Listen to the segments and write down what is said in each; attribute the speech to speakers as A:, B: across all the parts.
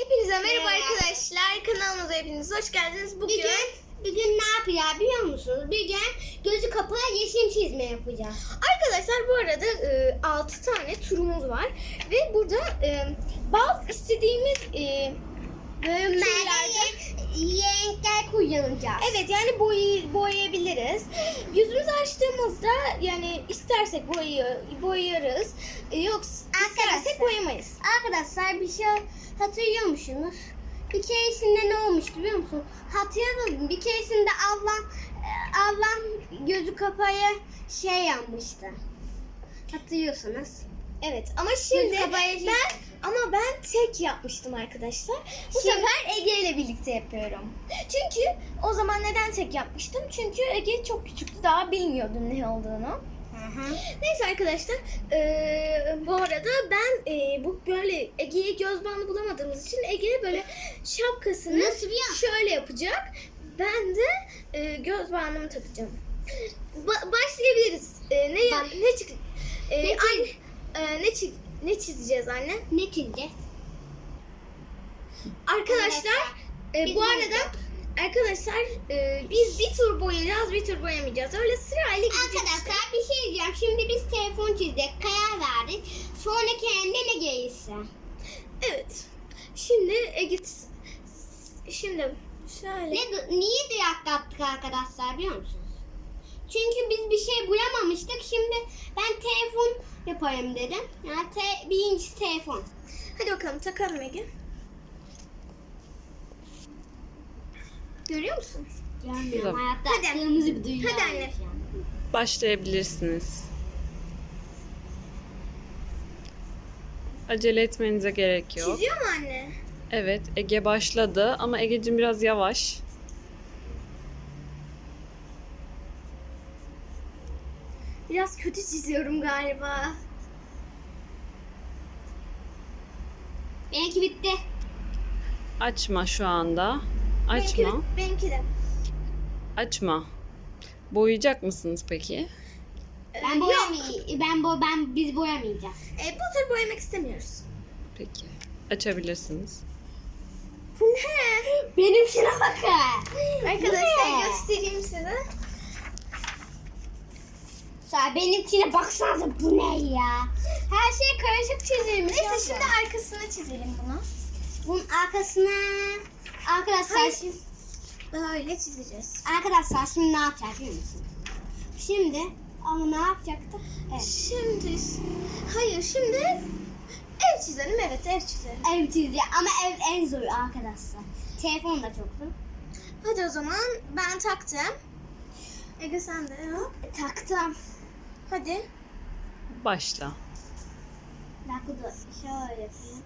A: Hepinize merhaba arkadaşlar. Kanalımıza hepiniz hoş geldiniz. Bugün
B: ne yapacağız biliyor musunuz? Bugün gözü kapalı yeşil çizme yapacağız.
A: arkadaşlar bu arada 6 tane turumuz var. Ve burada bazı istediğimiz
B: Bölümlerde renkler kullanacağız.
A: evet yani boyayabiliriz. Yüzümüzü açtığımızda yani istersek boyarız. Yoksa istersek boyamayız.
B: Arkadaşlar bir şey hatırlıyor musunuz? Bir keresinde ne olmuştu biliyor musun? Hatırladım. Bir keresinde Allah gözü kapalı şey yapmıştı. Hatırlıyorsunuz.
A: Evet ama şimdi
B: Gözü
A: ben tek yapmıştım arkadaşlar. Bu
B: Şimdi-
A: sefer Ege ile birlikte yapıyorum. Çünkü o zaman neden tek yapmıştım? Çünkü Ege çok küçüktü, daha bilmiyordu ne olduğunu. Neyse arkadaşlar, bu arada ben bu böyle Ege'ye göz bandı bulamadığımız için Ege böyle şapkasını
B: Nasıl bir
A: şöyle yapacak. Ben de göz bandımı takacağım. Başlayabiliriz. Ne çizeceğiz anne?
B: Ne çizeceğiz?
A: Arkadaşlar
B: Biz
A: bu
B: ne
A: arada
B: yapacağız?
A: arkadaşlar biz bir tur boyayacağız, bir tur boyamayacağız. Öyle sırayla gideceğiz.
B: Arkadaşlar bir şey diyeceğim. Şimdi biz telefon çizdik, karar verdik. Sonra kendine gelirse.
A: Evet. Şimdi şimdi şöyle.
B: Niye dayak attık arkadaşlar biliyor musunuz? Çünkü biz bir şey boyamamıştık. Şimdi ben telefon yapayım dedim. Yani birincisi telefon.
A: Hadi bakalım takalım Ege. Görüyor musun?
B: Görmüyorum hayatta.
A: Hadi.
B: Kırmızı bir dünya.
A: Hadi anne.
C: Başlayabilirsiniz. Acele etmenize gerek yok.
A: Çiziyor mu anne?
C: Evet, Ege başladı ama Ege'cim biraz yavaş.
A: Biraz kötü çiziyorum galiba.
B: Benimki bitti.
C: Açma şu anda. Açma.
A: Benimki de.
C: Açma. Boyayacak mısınız peki?
B: Ben boyamayacağım. Biz boyamayacağız.
A: Bu tür boyamak istemiyoruz.
C: Peki. Açabilirsiniz.
A: Bu ne?
B: Benimkine bakın.
A: Arkadaşlar
B: Bu ne?
A: göstereyim size.
B: Benimkine baksanıza bu ne ya? Her şey karışık çizilmiş.
A: Neyse
B: abla.
A: şimdi arkasına çizelim bunu.
B: Bunun arkasına arkadaşlar
A: Hayır.
B: şimdi,
A: Böyle çizeceğiz.
B: arkadaşlar şimdi ne yapacağız biliyor musunuz? Şimdi ama ne yapacaktık? Evet.
A: Şimdi ev çizelim. Evet, ev çizelim.
B: Ev çizeceğiz ama ev en zor arkadaşlar. Telefon da çok zor.
A: Hadi o zaman ben taktım. Ege sen de yap.
B: Taktım.
A: Hadi.
C: Başla.
B: Bir dakika dur. Şöyle yapayım.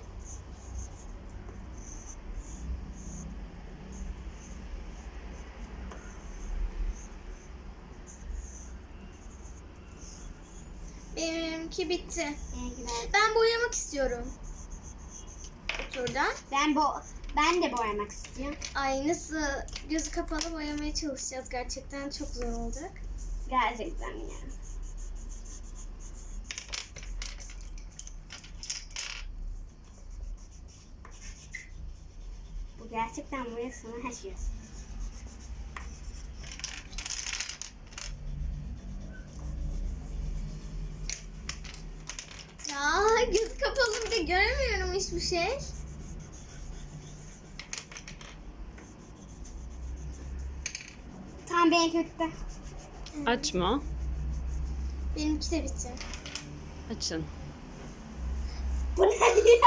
A: Benimki bitti.
B: Benimkiler-
A: Ben boyamak istiyorum. Bu turda.
B: Ben de boyamak istiyorum.
A: Ay nasıl gözü kapalı boyamaya çalışacağız. Gerçekten çok zor olacak.
B: Gerçekten yani. Bu gerçekten boyasını her şey.
A: Ya gözü kapalı bir de göremiyorum hiçbir şey.
B: Tamam benimki bitti.
C: Açma.
A: Benimki de bitti.
C: Açın.
B: Bu ne ya?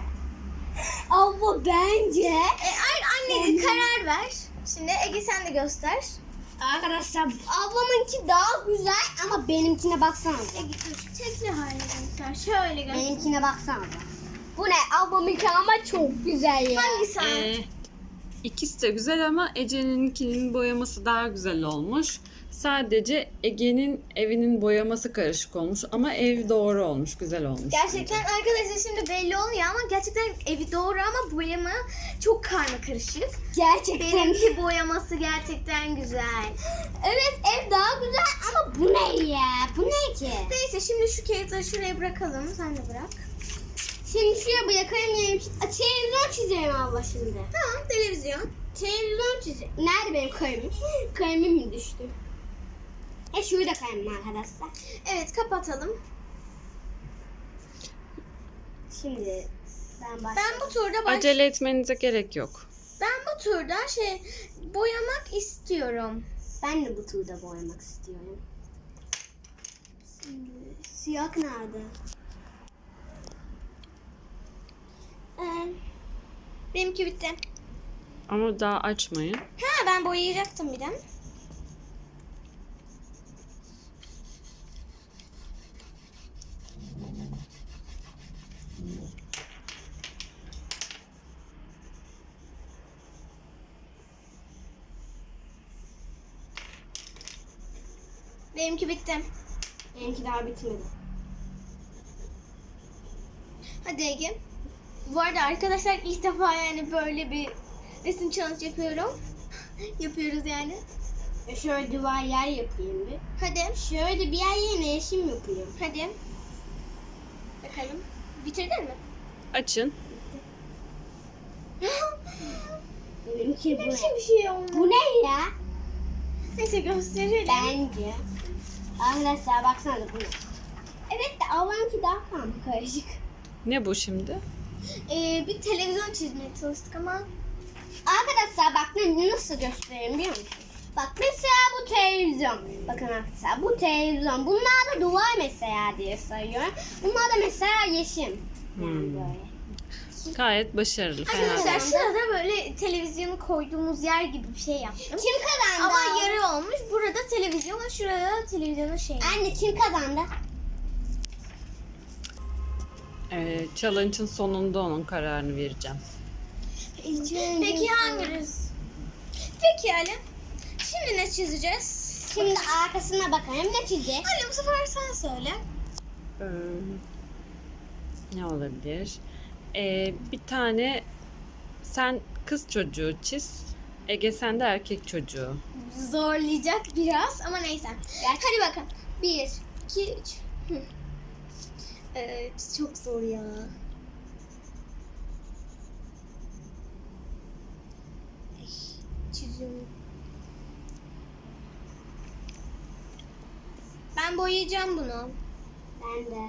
B: Abla bence.
A: Anne karar ver. Şimdi Ege sen de göster.
B: Arkadaşlar ablamınki daha güzel ama benimkine baksanıza.
A: Ege şu tekli haline göster. Şöyle göster.
B: Benimkine baksanıza. Bu ne? Ablamınki ama çok güzel ya.
A: Hangisi?
C: İkisi de güzel ama Ece'ninkinin boyaması daha güzel olmuş. Sadece Ege'nin evinin boyaması karışık olmuş ama ev doğru olmuş, güzel olmuş.
A: Gerçekten arkadaşlar şimdi belli olmuyor ama gerçekten evi doğru ama boyama çok karma karışık.
B: Gerçekten.
A: Benimki boyaması gerçekten güzel.
B: Evet ev daha güzel ama bu ne ya? Bu ne ki?
A: Neyse şimdi şu kağıtları şuraya bırakalım. Sen de bırak.
B: Şimdi şuraya bırakayım yerim. Televizyon çizeyim abla şimdi.
A: Tamam, televizyon.
B: Televizyon çizeyim. Nerede benim kalemim? Kalemim mi düştü? Şurada kalemim arkadaşlar.
A: Evet, kapatalım.
B: Şimdi ben başlayayım.
A: Ben bu turda
C: Acele etmenize gerek yok.
A: Ben bu turda boyamak istiyorum.
B: Ben de bu turda boyamak istiyorum. Şimdi siyah nerede?
A: Benimki bitti.
C: Ama daha açmayın.
A: Ha, ben boyayacaktım bir de. Benimki bitti.
B: Benimki daha bitmedi.
A: Hadi Ege. Bu arada arkadaşlar ilk defa yani böyle bir resim challenge yapıyorum. Yapıyoruz yani.
B: Şöyle duvar yer yapayım bir.
A: Hadi.
B: Şöyle bir yer yerine yeşil yapayım.
A: Hadi. Bakalım. Bitirdin mi?
C: Açın.
B: Benimki bu.
A: Ne biçim bir şey oldu?
B: Bu ne ya?
A: Neyse gösterelim.
B: Bence. Arkadaşlar baksana bu ne? Evet de ablamınki daha karışık.
C: Ne bu şimdi?
A: Bir televizyon çizmeye çalıştık ama
B: Arkadaşlar bak nasıl göstereyim biliyor musun? Bak mesela bu televizyon. Bakın arkadaşlar bu televizyon. Bunlar da duvar mesela diye sayıyorum. Bunlar da mesela yeşil. Yani böyle.
C: Gayet başarılı. Fena değil.
A: arkadaşlar şurada böyle televizyonu koyduğumuz yer gibi bir şey yaptım.
B: Kim kazandı?
A: Ama yarı olmuş. Burada televizyon, şurada televizyonun
B: Anne kim kazandı?
C: Challenge'ın sonunda onun kararını vereceğim.
A: Peki hanginiz? Peki Ali. Şimdi ne çizeceğiz?
B: Şimdi arkasına bakalım ne çizecek?
A: Ali bu sefer sen söyle.
C: Ne olabilir? Bir tane sen kız çocuğu çiz. Ege sen de erkek çocuğu.
A: Zorlayacak biraz ama neyse. Hadi bakalım. 1, 2, 3. Çok zor ya. Çiziyorum. Ben boyayacağım bunu.
B: Ben de.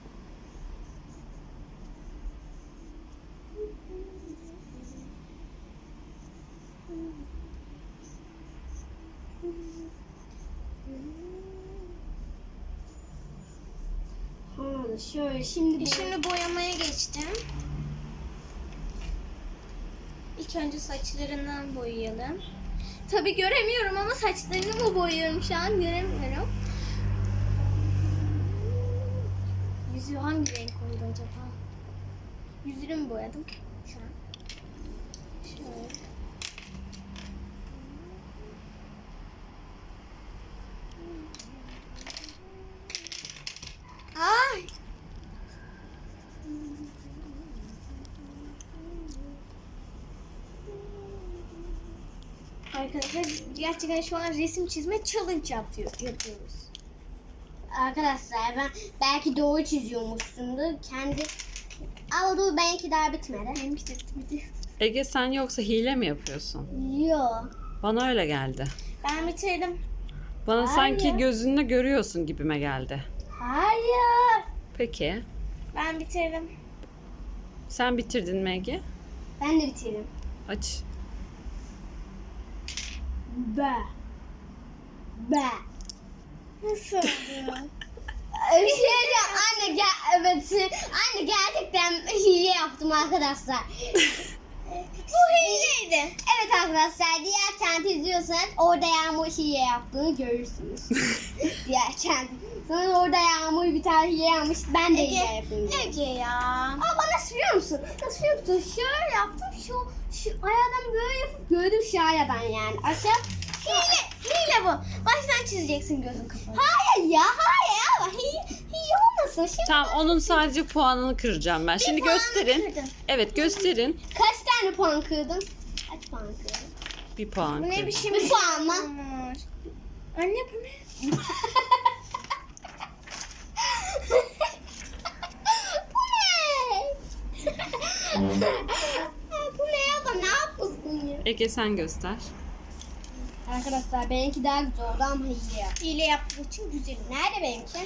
B: Şöyle şimdi
A: Şimdi boyamaya geçtim. İlk önce saçlarından boyayalım. Tabii göremiyorum ama saçlarını mı boyuyorum şu an göremiyorum. Yüzü hangi renk oldu acaba? Yüzünü mü boyadım şu an? Şöyle. Ay! Arkadaşlar gerçekten şu an resim çizme challenge yapıyoruz.
B: arkadaşlar ben belki doğru çiziyormuşumdur. Kendi ama dur benimki daha bitmedi.
A: Benimki de bitmedi.
C: Ege sen yoksa hile mi yapıyorsun?
B: Yok.
C: Bana öyle geldi.
A: Ben bitirdim.
C: Bana
B: Hayır.
C: sanki gözünle görüyorsun gibime geldi.
B: Hayır.
C: Peki.
A: Ben bitirdim.
C: Sen bitirdin mi Ege?
B: Ben de bitirdim.
C: Aç.
B: Be.
A: Nasıl oldu?
B: Bir şey diyeceğim. Anne gerçekten hile yaptım arkadaşlar.
A: Bu hileydi.
B: Evet arkadaşlar diğer kent izliyorsanız orada Yağmur hile yaptığını görürsünüz. Diğer kent. Sonra orada Yağmur bir tane hile yapmış. Ben de hile yapayım.
A: Ege ya.
B: Ama bana sürüyor musun? Nasıl sürüyor musun? Şöyle yaptım. Şu ayadan böyle yapıp gördüm şu ayadan yani. Aşağı.
A: Hile bu. Baştan çizeceksin gözün kapalı.
B: Hayır ya hayır ama hile olmasın. Şimdi
C: Tamam onun sadece puanını kıracağım ben. Şimdi gösterin.
A: kırdın.
C: Evet gösterin.
B: kaç tane puan kırdın? Kaç puan kırdın?
C: Bir puan
A: Bu ne
C: kırdım.
A: biçim
B: Bir puan mı?
A: olmuş? Anne bu ne?
B: Bu ne? Bu ne ya? Ne yapıyorsun ya?
C: Ege sen göster.
B: Arkadaşlar benimki daha güzel oldu ama hile yap.
A: Hile yaptığım için güzel.
B: Nerede benimki?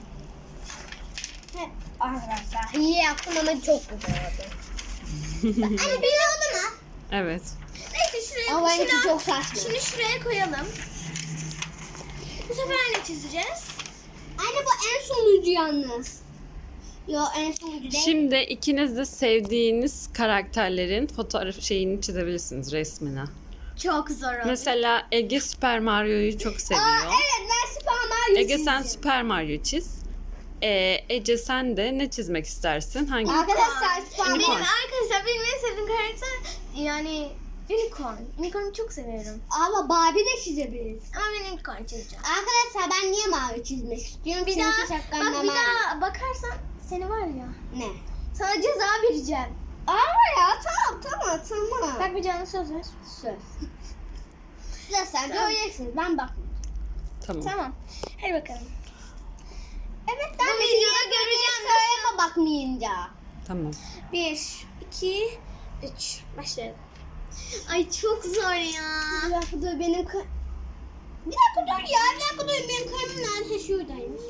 B: Arkadaşlar hile yaptım ama çok güzel oldu. Anne bir oldu mu?
C: Evet.
A: Neyse şuraya,
B: Ama benimki
A: şuna-
B: çok saçma.
A: Şimdi şuraya koyalım. Bu sefer ne çizeceğiz?
B: Anne bu en sonuncu yalnız. Yo en sonuncu değil.
C: Şimdi ikiniz de sevdiğiniz karakterlerin fotoğraf şeyini çizebilirsiniz, resmini.
A: Çok zor oldu.
C: Mesela Ege Super Mario'yu çok seviyor.
B: Evet ben Super Mario
C: Ege sen
B: çizeceğim.
C: Super Mario çiz. Ece sen de ne çizmek istersin? Hangi?
B: Arkadaşlar Super
A: Benim
B: Mario.
A: arkadaşlar benim en sevdiğim karakter yani Unicorn. Unicorn'u çok seviyorum.
B: Ama Barbie de çizebiliriz.
A: Ama ben Unicorn çizeceğim.
B: Arkadaşlar ben niye mavi çizmek istiyorum?
A: Bir
B: Çünkü
A: daha,
B: şapkamda
A: bak bir
B: mavi.
A: daha bakarsan seni var ya.
B: Ne?
A: Sana ceza vereceğim.
B: Ama ya tamam.
A: Bak bir canlı söz ver.
B: Söz. Arkadaşlar
A: Tamam.
B: göreceksiniz ben bakmıyorum.
C: Tamam.
A: Tamam. Hadi bakalım.
B: Evet
A: ben de videoda göreceğim.
B: Söyleme bakmayınca.
C: Tamam.
A: 1, 2, 3. Başlayalım. Ay çok zor ya.
B: Bir dakika dur benim Bir dakika dur ya bir dakika dur benim kalemim nerede? Şuradaymış.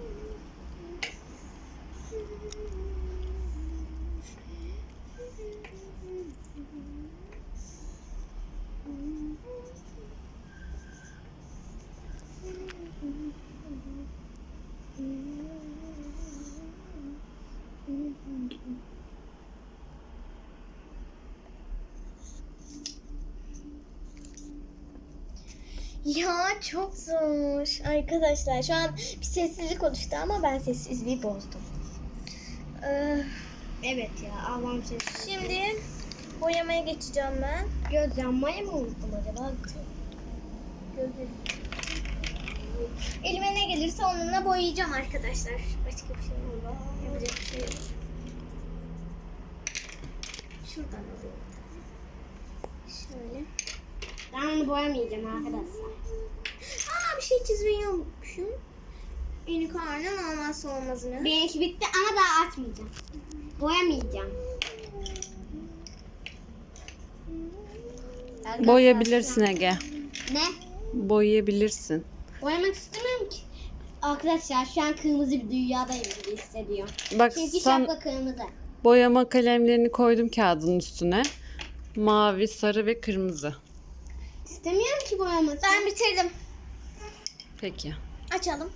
A: Ya çok zor. Arkadaşlar şu an bir sessizlik oluştu ama ben sessizliği bozdum.
B: Evet ya Allah'ım seni.
A: Şimdi boyamaya geçeceğim ben.
B: Göz yanmayı mı unuttum acaba?
A: Elime ne gelirse onunla boyayacağım arkadaşlar. Başka bir şey yok. Yapacak bir şey yok. Şuradan alayım. Şöyle.
B: Ben onu boyamayacağım arkadaşlar.
A: Aa bir şey çizmeyi unutmuşum. Unicorn'un olmazsa olmazını.
B: Benimki bitti ama daha açmayacağım. Boyamayacağım.
C: Boyayabilirsin Ege.
B: Ne?
C: Boyayabilirsin.
B: Boyamak istemiyorum ki. Arkadaşlar şu an kırmızı bir dünyadayım gibi hissediyorum.
C: Bak
B: Çünkü
C: sen
B: şapka kırmızı.
C: boyama kalemlerini koydum kağıdın üstüne. Mavi, sarı ve kırmızı.
B: İstemiyorum ki boyamak.
A: Ben bitirdim.
C: Peki.
A: Açalım.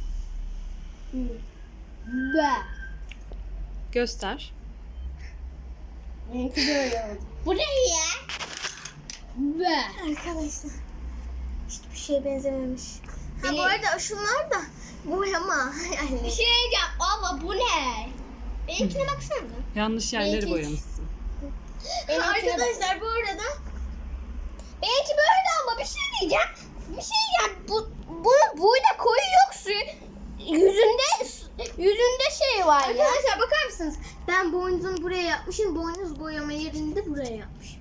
B: Be.
C: Göster.
B: Benimki böyle oldu. Bu ne ya? Be.
A: Arkadaşlar. Hiçbir şeye benzememiş. Ha
B: Beni-
A: bu arada şunlar da boyama. Yani.
B: Bir şey diyeceğim ama bu ne? Benimkine baksana.
C: Yanlış yerleri
B: Benimki-
C: boyamışsın.
A: Arkadaşlar bu arada
B: Benimki böyle ama bir şey diyeceğim. Bir şey diyeceğim. Bunun burada koyu yok su. Yüzünde şey var ya.
A: arkadaşlar bakar mısınız? Ben boynuzunu buraya yapmışım. Boynuz boyama yerini de buraya yapmışım.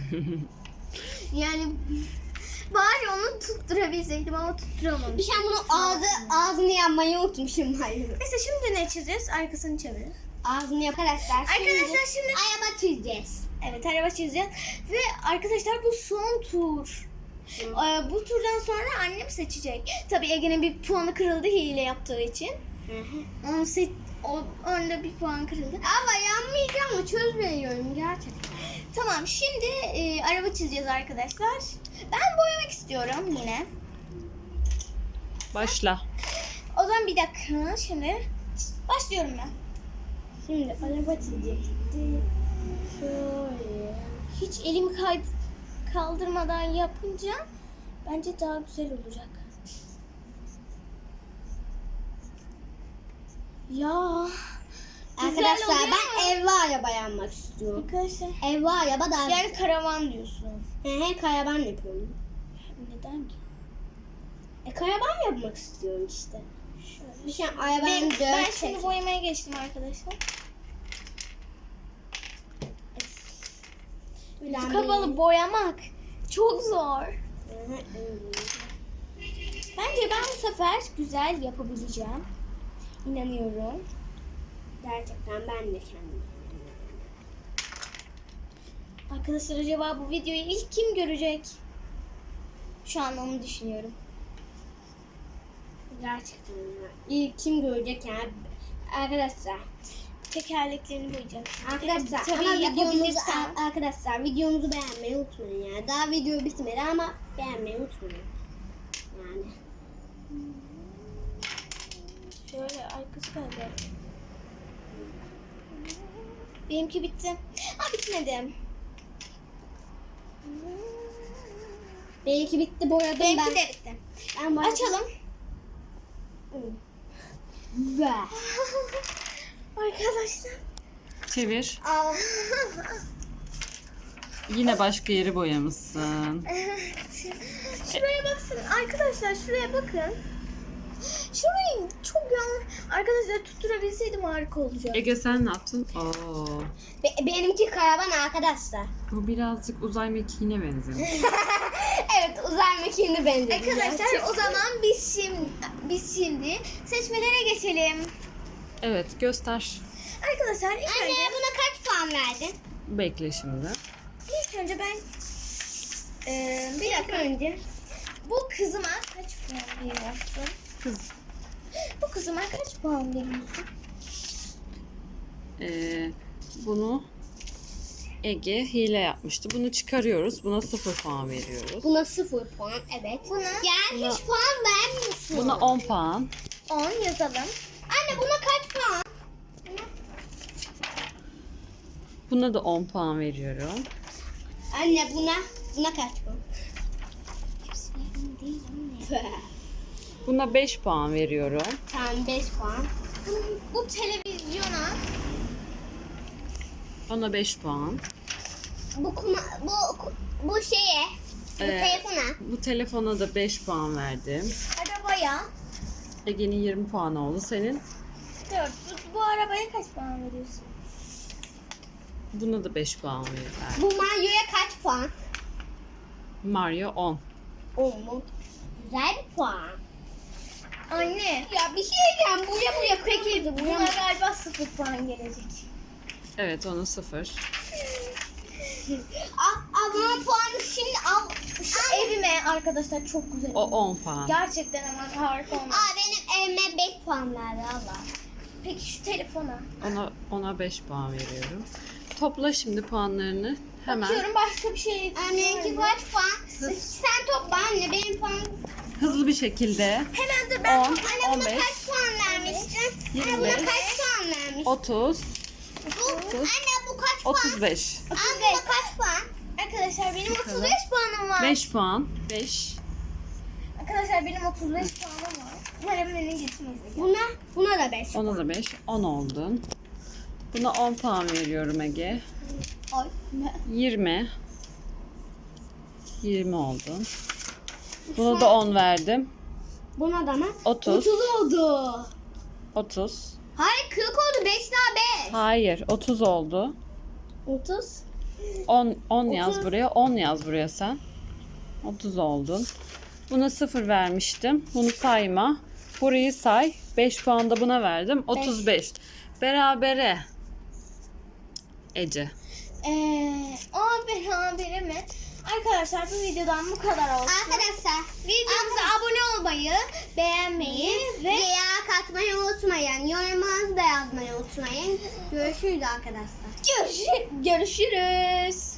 A: Yani bari onu tutturabilseydim ama tutturamamışım.
B: Bir şey bunu ağzını yanmayı unutmuşum. Hayır.
A: Neyse şimdi ne çizeceğiz? Arkasını çevirin.
B: Ağzını yap arkadaşlar.
A: Arkadaşlar şimdi
B: araba çizeceğiz.
A: evet araba çizeceğiz. Ve arkadaşlar bu son tur. Bu turdan sonra annem seçecek. Tabii Ege'nin bir puanı kırıldı hile yaptığı için. Onda bir puan kırıldı.
B: Ama yanmayacağım mı? Çözmüyorum gerçekten.
A: Tamam şimdi araba çizeceğiz arkadaşlar. Ben boyamak istiyorum yine.
C: Başla.
A: O zaman bir dakika şimdi başlıyorum ben.
B: Şimdi araba çizecektim. Şöyle.
A: Hiç elimi kaldırmadan yapınca bence daha güzel olacak. Ya güzel
B: Arkadaşlar
A: oluyor
B: ben
A: ama-
B: evli araba yanmak istiyorum.
A: arkadaşlar
B: Evli araba daha
A: yani karavan diyorsun.
B: He karavan yapıyorum.
A: Neden ki?
B: Karavan yapmak istiyorum işte.
A: Şöyle.
B: Bir şey arabanın
A: Ben
B: dört
A: şimdi boyamaya geçtim arkadaşlar. Yüzü kapalı boyamak çok zor. Bence ben bu sefer güzel yapabileceğim. İnanıyorum.
B: Gerçekten ben de kendim.
A: Arkadaşlar acaba bu videoyu ilk kim görecek? Şu an onu düşünüyorum.
B: Gerçekten ya. İlk kim görecek yani? Arkadaşlar.
A: Tekerleklerini boyayacağım.
B: Arkadaşlar
A: Tabii
B: ama
A: yapabilirsem.
B: videomuzu beğenmeyi unutmayın yani. Daha video bitmedi ama beğenmeyi unutmayın. Yani.
A: Şöyle arkası kaldı. Benimki bitti. Ha bitmedi.
B: Benimki bitti, boyadım
A: Benimki
B: ben.
A: de bitti.
B: Ben boyadım.
A: Açalım.
B: Be.
A: Arkadaşlar.
C: Çevir.
A: Aa.
C: Yine başka yeri boyamışsın.
A: Şuraya baksın. Arkadaşlar şuraya bakın. Şurayı çok yanlış. Arkadaşlar tutturabilseydim harika olacak.
C: Ege sen ne yaptın? Oo.
B: Benimki karavan arkadaşlar.
C: Bu birazcık uzay mekiğine benziyor.
B: Evet, uzay mekiğine benziyor.
A: Arkadaşlar o zaman biz şimdi seçmelere geçelim.
C: Evet göster.
A: Arkadaşlar ilk
B: Anne
A: önce,
B: buna kaç puan verdin?
C: Bekle şimdi.
A: ilk önce ben bir dakika önce bu kızıma kaç puan veriyorsun?
C: Kız.
A: Bu kızıma kaç puan veriyorsun?
C: Bunu Ege hile yapmıştı. Bunu çıkarıyoruz. Buna 0 puan veriyoruz.
B: Buna 0 puan, evet.
A: Buna
B: Hiç puan vermiyorsun.
C: Buna 10 puan.
A: 10 yazalım.
B: Anne buna kaç puan?
C: Buna da 10 puan veriyorum.
B: Anne buna kaç puan?
C: Buna 5 puan veriyorum.
B: Tamam 5 puan.
A: Bu televizyona
C: Ona 5 puan.
B: Bu şeye, bu
C: Ee,
B: telefona.
C: Bu telefona da 5 puan verdim.
A: arabaya
C: Ege'nin 20 puan oldu. Senin?
A: 4. Bu arabaya kaç puan veriyorsun?
C: Buna da 5 puan verdim.
B: Bu Mario'ya kaç puan?
C: Mario 10.
B: 10 mu? Güzel bir puan.
A: Anne.
B: Ya bir şey diyeceğim. Buraya
A: Peki buna galiba 0 puan gelecek.
C: Evet ona 0.
B: Bana puanı şimdi al.
A: Şu evime arkadaşlar çok güzel.
C: O 10 puan.
A: Gerçekten ama harika olmuş.
B: Benim evime 5 puan verdi Allah.
A: Peki şu telefona.
C: Ona 5 puan veriyorum. Topla şimdi puanlarını. Hemen
A: Bakıyorum başka bir şey.
B: Benimki kaç puan? Sen topla anne, benim puanım.
C: hızlı bir şekilde
A: Hemen dur ben
C: 10,
B: Anne buna
C: 15,
B: kaç puan vermiştin? Anne buna
C: 25,
B: kaç puan vermiştin?
C: 30,
B: Anne bu kaç puan?
C: 35.
B: Anne bu kaç puan?
A: Arkadaşlar benim
C: Bakalım.
A: 35 puanım var.
C: 5 puan. 5.
A: Arkadaşlar benim 35 puanım var. Umarım beni geçmez.
B: Buna da 5.
C: Ona da 5. 10 oldun. Buna 10 puan veriyorum Ege.
A: Ay.
C: 20. 20 oldun. Buna da 10 verdim.
B: Buna da mı?
C: 30.
B: oldu.
C: 30.
B: Hayır 40 oldu, 5 daha 5.
C: Hayır 30 oldu.
B: 30.
C: 10 yaz buraya. 10 yaz buraya sen. 30 oldun. Buna 0 vermiştim. Bunu sayma. Burayı say. 5 puan da buna verdim. 35. Berabere. Ece.
A: Berabere mi? Arkadaşlar bu videodan bu kadar olsun.
B: Arkadaşlar
A: Videomuza abone olmayı, beğenmeyi ve
B: veya katmayı unutmayın. Yorumlarınızı da yazmayı unutmayın. Görüşürüz arkadaşlar.
A: görüşürüz.